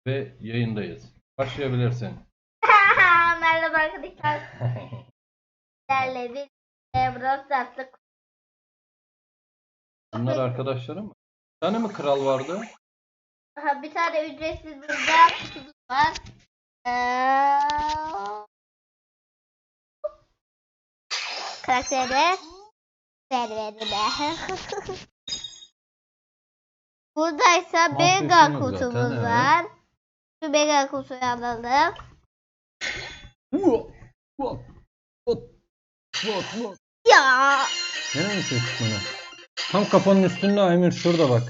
Ve yayındayız. Başlayabilirsin. Merhaba arkadaşlar. Sizlerle bir Brawl Stars'ta Bunlar arkadaşlarım mı? Bir tane mi kral vardı? bir tane ücretsiz burada kutumuz var. Karakteri Buradaysa Mega kutumuz zaten, var. Şu Mega kutuyu alalım. Ya. Nereye mi tutmanı? Tam kafanın üstünde Aymir, şurada bak.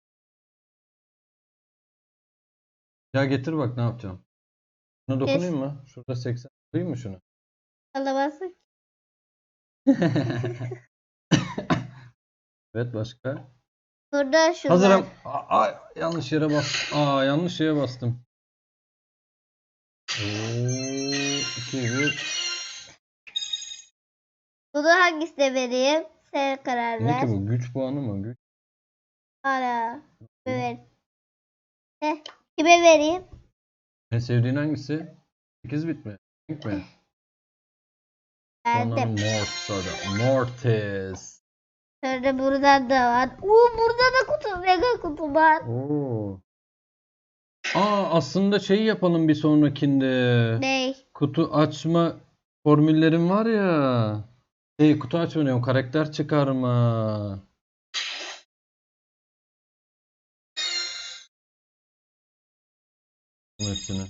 Ya getir bak ne yapacağım. Şuna dokunayım mı? Şurada 80. Koyayım mı şunu? Alamazsın. Evet, başka? Burada şu Hazırım. var. Yanlış yere bastım. Yanlış şeye bastım. 2, 1. Bunu hangisine vereyim? Sen karar Ne ver. ki bu? Güç puanı mı? Güç. Ara. Evet. Kime vereyim? En sevdiğin hangisi? 8 bit mi? Renk mi? Sonra Verdim. Mortis. Sonra buradan da var. Burada da kutu. Mega kutu var. Aslında şeyi yapalım bir sonrakinde. Ne? Kutu açma formüllerim var ya. Kutu açma diyorum. Karakter çıkarma. Hepsini.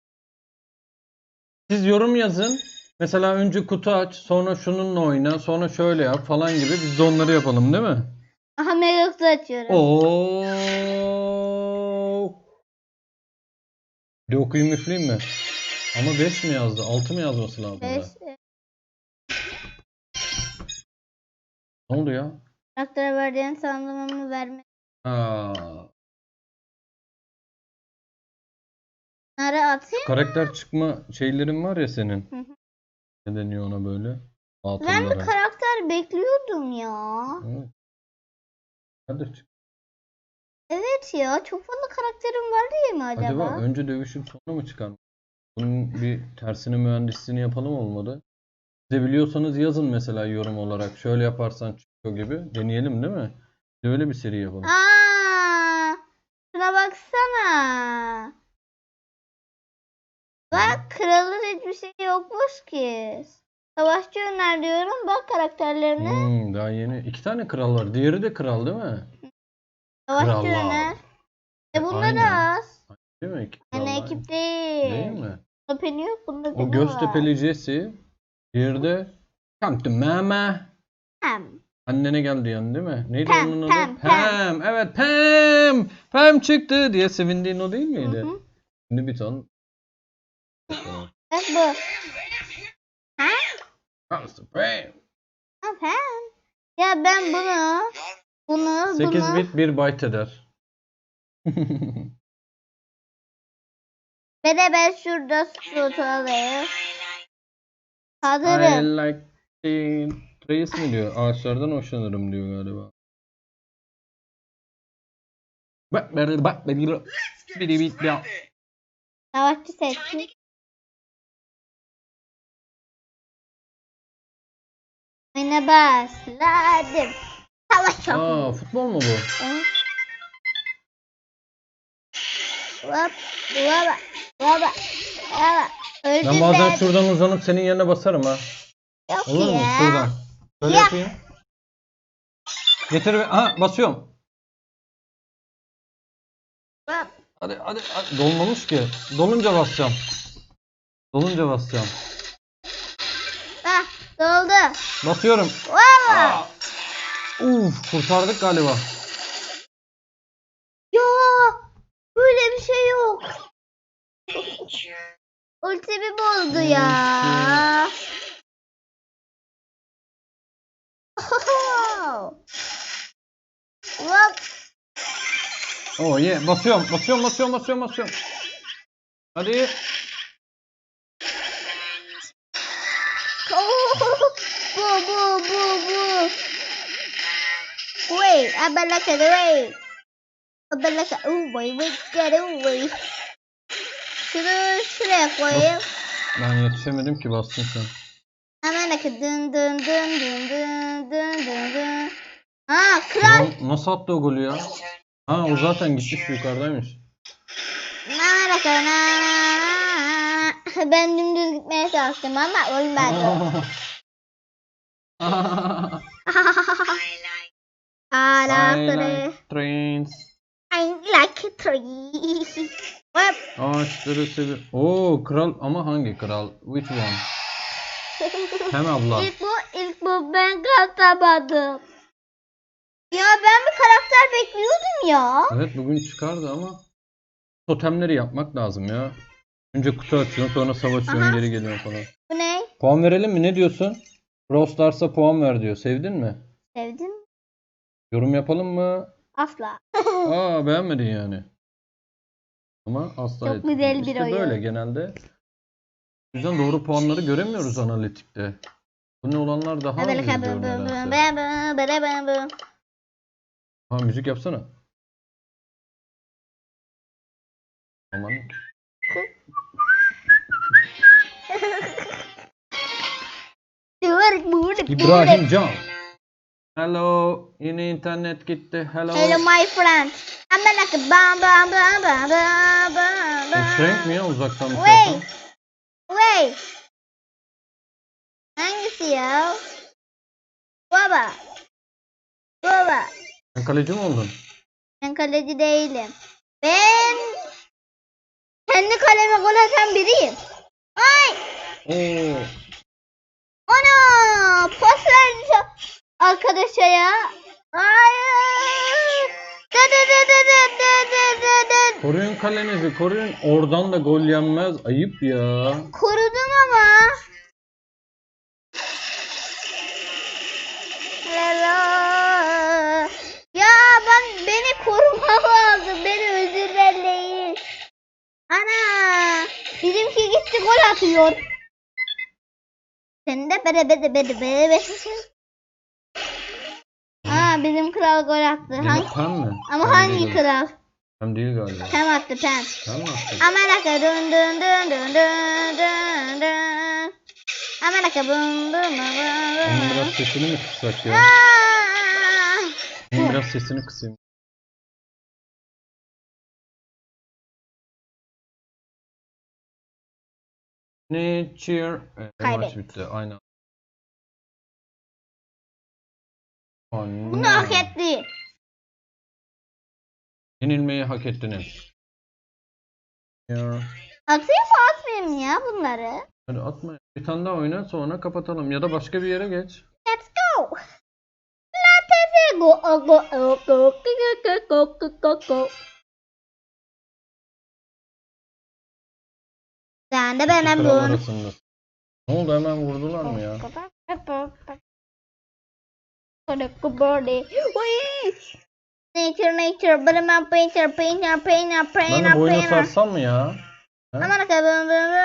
Siz yorum yazın. Mesela önce kutu aç, sonra şununla oyna, sonra şöyle yap falan gibi. Biz de onları yapalım, değil mi? Aha mega kutu açıyorum. Bir de okuyayım üfleyeyim mi? Ama 5 mi yazdı? 6 mı yazması lazım 5. da? Ne oldu ya? Karaktere verdiğin sandığımı verme. Bunları atayım. Karakter çıkma şeylerin var ya senin. Hı hı. Ne deniyor ona böyle? Ben bir karakter bekliyordum ya. Evet. Hadi çık. Evet ya. Çok fazla karakterim var diye mi acaba? Acaba önce dövüşüp sonra mı çıkar? Bunun bir tersine mühendisliğini yapalım olmadı. Siz de biliyorsanız yazın mesela yorum olarak. Şöyle yaparsan çıkıyor gibi. Deneyelim değil mi? Bir de öyle bir seri yapalım. Şuna baksana. Bak kralın hiçbir şey yokmuş ki. Savaşçı öner diyorum. Bak karakterlerine. Daha yeni. 2 tane kral var. Diğeri de kral değil mi? Savaşçı Krallar. öner. Bunda Aynı. da az. Değil mi? İki Yani kral ekip aynı. değil. Değil mi? Bunda peni yok. Bunda O peni var. Göztepe'li Jesse. Diğeri de Come to mama. Pam. Annene geldi yani değil mi? Neydi Pam, onun adı? Pam, Pam. Evet, Pam. Pam çıktı diye sevindiğin o değil miydi? Hı hı. Şimdi bir ton. Bak bu. Ha? Pam. Ha, Pam. Ya ben bunu 8 bit 1 byte eder. ve de ben şurada slot alayım. I Hazırım. like Reis mi diyor? Ağaçlardan hoşlanırım diyor galiba. Bak biri bit ya. Savaşçı seçtim. Oyuna başladım. Savaş yapıyorum. Futbol mu bu? Evet. Hop, hop, hop, hop. Öldüm Ben bazen şuradan uzanıp senin yerine basarım ha. Yok Olur mu? ya. Şuradan. Böyle Ya. yapayım. Getir ve basıyorum. Hop. Hadi. Dolmamış ki. Dolunca basacağım. Ah, doldu. Basıyorum. Valla. Kurtardık galiba. Ya, böyle bir şey yok. Ultimi bozdu ya. Hop. Basıyorum. Hadi. Bu. Wait, abalaka, wait. Abalaka, wait, get away. Şunu şuraya koyayım. Ben yetişemedim ki, bastın sen. Hemen akı dın dın dın dın dın dın dın dın. Ha kral. Nasıl attı o golü ya? Ha, o zaten gitmiş, yukarıdaymış. Hemen akı. Ben dümdüz gitmeye çalıştım ama olmadı. I I like like trains. I like tree. Hop. Ağaçları seviyorum. Oo, kral ama hangi kral? Which one? Hem abla. İlk bu ben katamadım. Ya ben bir karakter bekliyordum ya. Evet, bugün çıkardı ama totemleri yapmak lazım ya. Önce kutu açıyorsun, sonra savaşıyorsun, Aha. geri geliyorsun falan. Bu ne? Puan verelim mi? Ne diyorsun? Brawl Stars'a puan ver diyor. Sevdin mi? Sevdin mi? Yorum yapalım mı? Asla. Aa, beğenmedin yani. Ama asla Çok etmiyor. güzel bir İşte oyun. böyle genelde. O yüzden doğru puanları göremiyoruz analitikte. Bu ne olanlar daha az izliyor nedense. Ha, müzik yapsana. Aman. İbrahim Can. Hello. Yine internet gitti. Hello. Hello my friend. Hemen akı bam bam bam bam bam bam Bu Frank mi ya, uzaktan bir şey Wait. yapan? Wait. Hangisi ya? Baba. Baba. Sen kaleci mi oldun? Ben kaleci değilim. Ben kendi kaleme gol atan biriyim. Ay! Oo. Ana! Pas verdi arkadaşa ya. Hayır! Dı dı dı dı dı dı dı dı dı. Koruyun kalenizi, koruyun. Oradan da gol yenmez. Ayıp ya. Korudum ama. Hello. Ya beni koruma lazım. Beni özürleyin. Ana! Bizimki gitti gol atıyor. Sen de bere. Aa bizim kral gol attı. Yine Pem mi? Ama Pem hangi değil. kral? Pem değil galiba. Pem attı Pem. Pem mi attı? Amanaka dön dön dön dön dön dön dön. Amanaka bum bum bum Onun biraz bum. sesini mi kıssak ya? Aa! Onun biraz sesini kısayım. Nature. Evet, maç Kaybettik. bitti. Aynen. Bunu hak etti. Yenilmeyi hak ettiniz. Ya. Atayım mı atmayayım ya bunları? Hadi atma. Bir tane daha oyna, sonra kapatalım. Ya da başka bir yere geç. Let's go. Let's go. Go. Sen de İki benim kral bunu. arasında. Ne oldu, hemen vurdular mı ya? Nature, but I'm painter. Ben de boyunu sarsam mı ya? He? Aman akabım.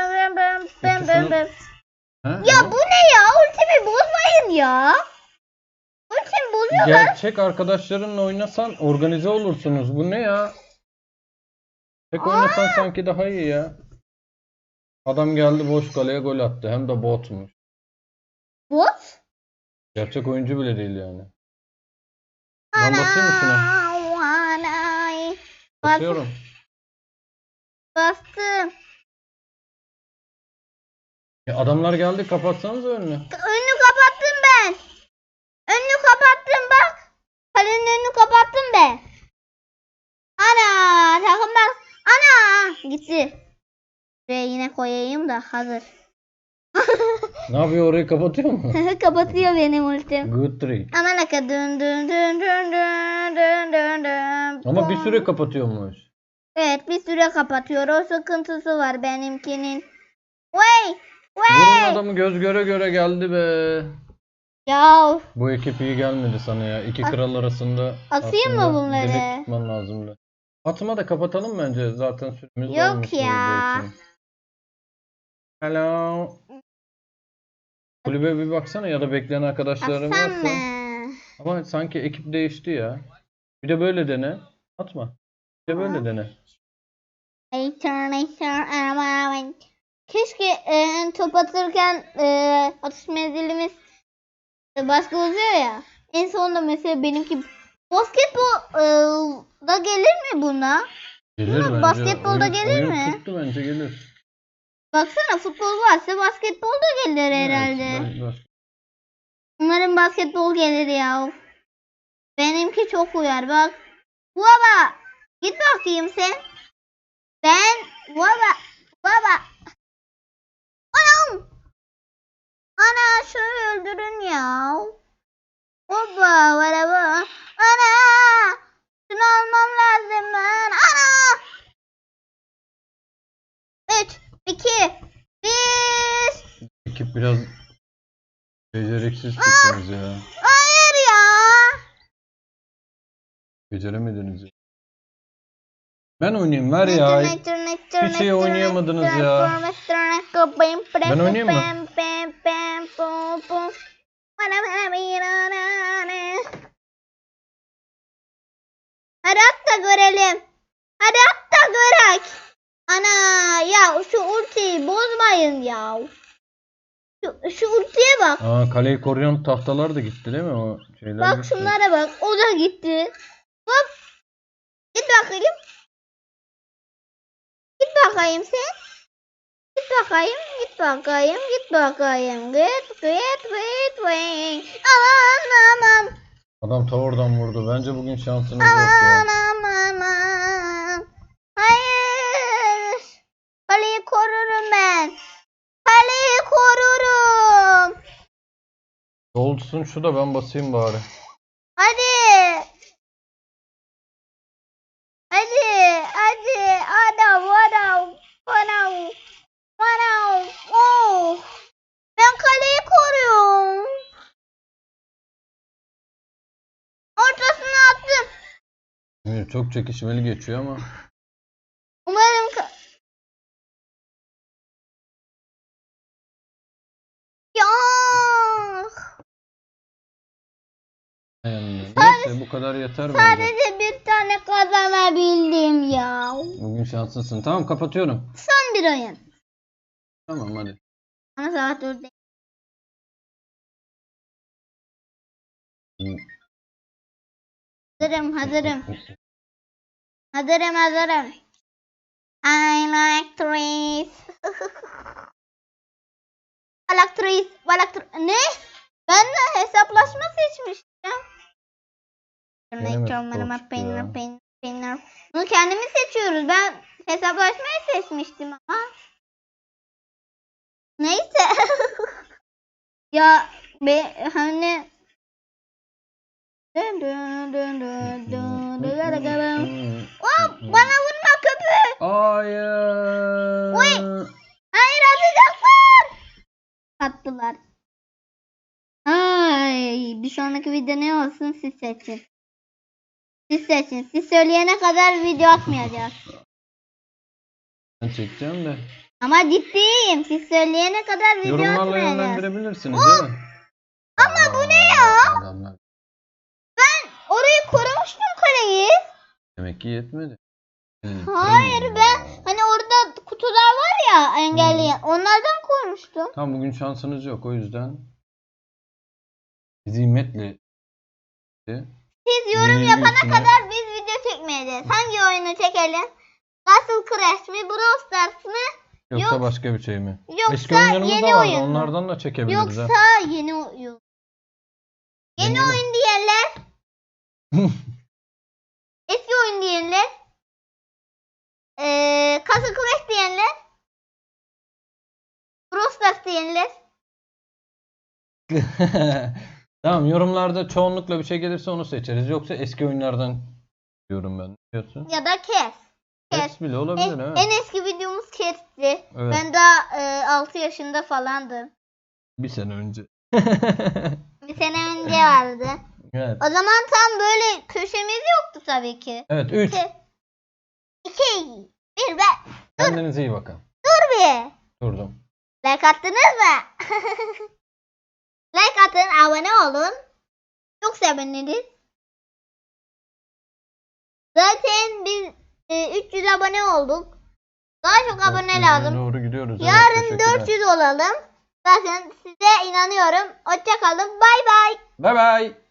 He? Ya bu ne ya? Ultimi bozmayın ya. Ultimi bozuyorlar. Gerçek arkadaşlarınla oynasan organize olursunuz. Bu ne ya? Tek oynasan sanki daha iyi ya. Adam geldi, boş kaleye gol attı. Hem de botmuş. Bot? Gerçek oyuncu bile değil yani. Ben basayım mı şuna? Anay. Basıyorum. Bastım. Ya adamlar geldi, kapatsanız önünü. Önünü kapattım ben. Önünü kapattım bak. Kalenin önünü kapattım ben. Ana takım bak. Ana gitti. Buraya yine koyayım da hazır. Ne yapıyor, orayı kapatıyor mu? Kapatıyor benim ultim. Good trick. Aman aka dön dön dön dön dön dön dön dön. Ama bir süre kapatıyormuş. Evet bir süre kapatıyor. O sıkıntısı var benimkinin. Vay! Vurun adamı, göz göre göre geldi be. Ya Bu ekip iyi gelmedi sana ya. İki kral arasında atayım mı aslında bunları? direkt tutman lazımdı. Atma da kapatalım bence. Zaten süremiz Yok dolmuş bu ya. video için. Hello. Kulübe bir baksana, ya da bekleyen arkadaşların Atsam varsa. mı? Ama sanki ekip değişti ya. Bir de böyle dene. Atma. Bir de böyle dene. Keşke top atırken atış menzilimiz başka oluyor ya. En sonunda mesela benimki basketbol da gelir mi buna? Gelir bence. Basketbolda gelir oyun mi? tuttu bence gelir. Baksana futbol varsa basketbol da gelir herhalde. Evet, Umarım basketbol gelir ya. Benimki çok uyar bak. Baba git bakayım sen. Baba. Anam. Ana şunu öldürün ya. Baba araba. Ana. Şunu almam lazım ben. Ana. 3, 2, 1. ekip biraz beceriksiz çıktınız ya. Hayır ya. Beceremediniz ya. Ben oynayayım ver ya. Bir şey oynayamadınız ya. Ben oynayayım mı? Hadi at da görelim. Hadi at da görek. Ana ya şu ultiyi bozmayın ya. Şu ultiye bak. Aa, kaleyi koruyan tahtalar da gitti değil mi? O şeyler Bak gitti. şunlara bak. O da gitti. Hop. Git bakayım. Git bakayım sen. Git bakayım. Git bakayım. Git bakayım. Git. Aman. Adam ta oradan vurdu. Bence bugün şansınız yok ya. Aman. Hayır. Kaleyi korurum ben. Kaleyi korurum. Dolsun şu da ben basayım bari. Hadi. Anam. Oh. Ben kaleyi koruyorum. Ortasına attım. Evet, çok çekişmeli geçiyor ama. Umarım ya. Yani, neyse bu kadar yeter bence. Sadece bir tane kazanabildim ya. Bugün şanslısın. Tamam kapatıyorum. Son bir oyun. Tamam hadi. Ama saat 4'te. Hazırım. I like trees. Ne? Ben de hesaplaşma seçmiştim. Bunu kendimiz seçiyoruz. Ben hesaplaşmayı seçmiştim ama. Neyse. Ya hani Hop, bana vurma köpük. Hayır. Hayır atacaklar. Attılar. Ay, bir sonraki video ne olsun siz seçin. Siz söyleyene kadar video atmayacağız. Ben çekeceğim de. Ama ciddiyim. Siz söyleyene kadar video Yorumlarla atmayacağız. yönlendirebilirsiniz değil mi? Ama bu ne ya? Adamlar. Ben orayı korumuştum kaleyi. Demek ki yetmedi. Hayır ben hani orada kutular var ya engelleyen onlardan korumuştum. Tam bugün şansınız yok o yüzden. Zimetle. Siz yorum yapana kadar biz video çekmeyeceğiz. Hangi oyunu çekelim? Castle Crash mi? Brawl Stars mı? Yoksa başka bir şey mi? Yoksa Eski oyunlarımız yeni da vardı. oyun mu? Onlardan da çekebiliriz. Yoksa yeni oyun. Yeni Yeni mi? oyun diyenler. Eski oyun diyenler. Castle Crash diyenler. Brawl Stars diyenler. Tamam yorumlarda çoğunlukla bir şey gelirse onu seçeriz. Yoksa eski oyunlardan diyorum ben. Diyorsun. Ya da Kes. Kes bile olabilir evet. En eski videomuz Kes'ti. Evet. Ben daha 6 yaşında falandım. Bir sene önce. Bir sene önce vardı. Evet. O zaman tam böyle köşemiz yoktu tabii ki. Evet 3. 2, 1 ben. Kendinize iyi bakın. Dur bir. Durdum. Like attınız mı? Like atın, abone olun. Çok seviniriz. Zaten biz 300 abone olduk. Daha çok abone 400'e lazım. doğru gidiyoruz. Evet, Yarın teşekkürler. 400 olalım. Zaten size inanıyorum. Hoşça kalın. Bay bay. Bay bay.